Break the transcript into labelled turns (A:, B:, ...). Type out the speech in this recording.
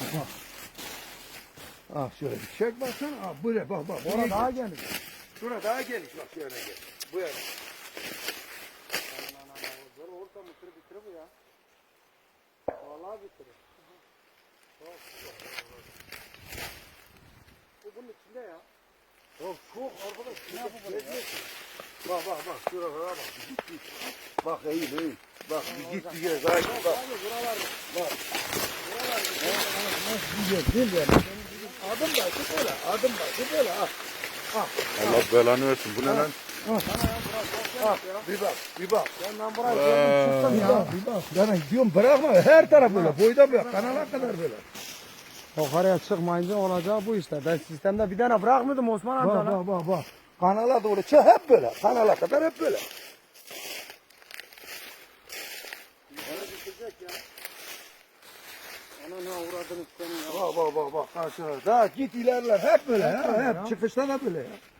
A: Bak. Ah şöyle bir çek baksana. Ah böyle bak bak.
B: Orada daha geniş.
A: Şura daha geniş bak şöyle gel. Bu yana.
B: Zor orta mısır bitirir bu ya. Vallahi bitirir. Bu bunun içinde ya.
A: Ya çok arkadaş ne yapalım? Bak bak bak şuralara bak. Git git. Bak eğil eğil. Bak bir git bir gel. Bak bak.
B: Buralar.
A: Bak.
B: Buralar.
A: Güzel değil mi? Adım başı böyle. Adım başı böyle. Ah. Ah.
C: Allah belanı versin. Bu ne lan?
A: Ah. Bir bak. Bir bak.
B: Ben burayı gördüm çıktım
A: Ya
B: ya.
A: bir bak. Yani diyorum bırakma. Her taraf böyle. Boydan böyle. Kanala kadar böyle.
B: Yukarıya çıkmayınca olacağı bu işte. Ben sistemde bir tane bırakmadım Osman amca
A: Bak
B: lan.
A: bak bak bak. Kanala doğru çık hep böyle. Kanala kadar hep böyle.
B: Bitecek ya. Ana ne uğradınız senin ya.
A: Bak bak bak bak. Karşıya. Daha git ilerler. Hep böyle ya. Hep çıkışta da böyle ya.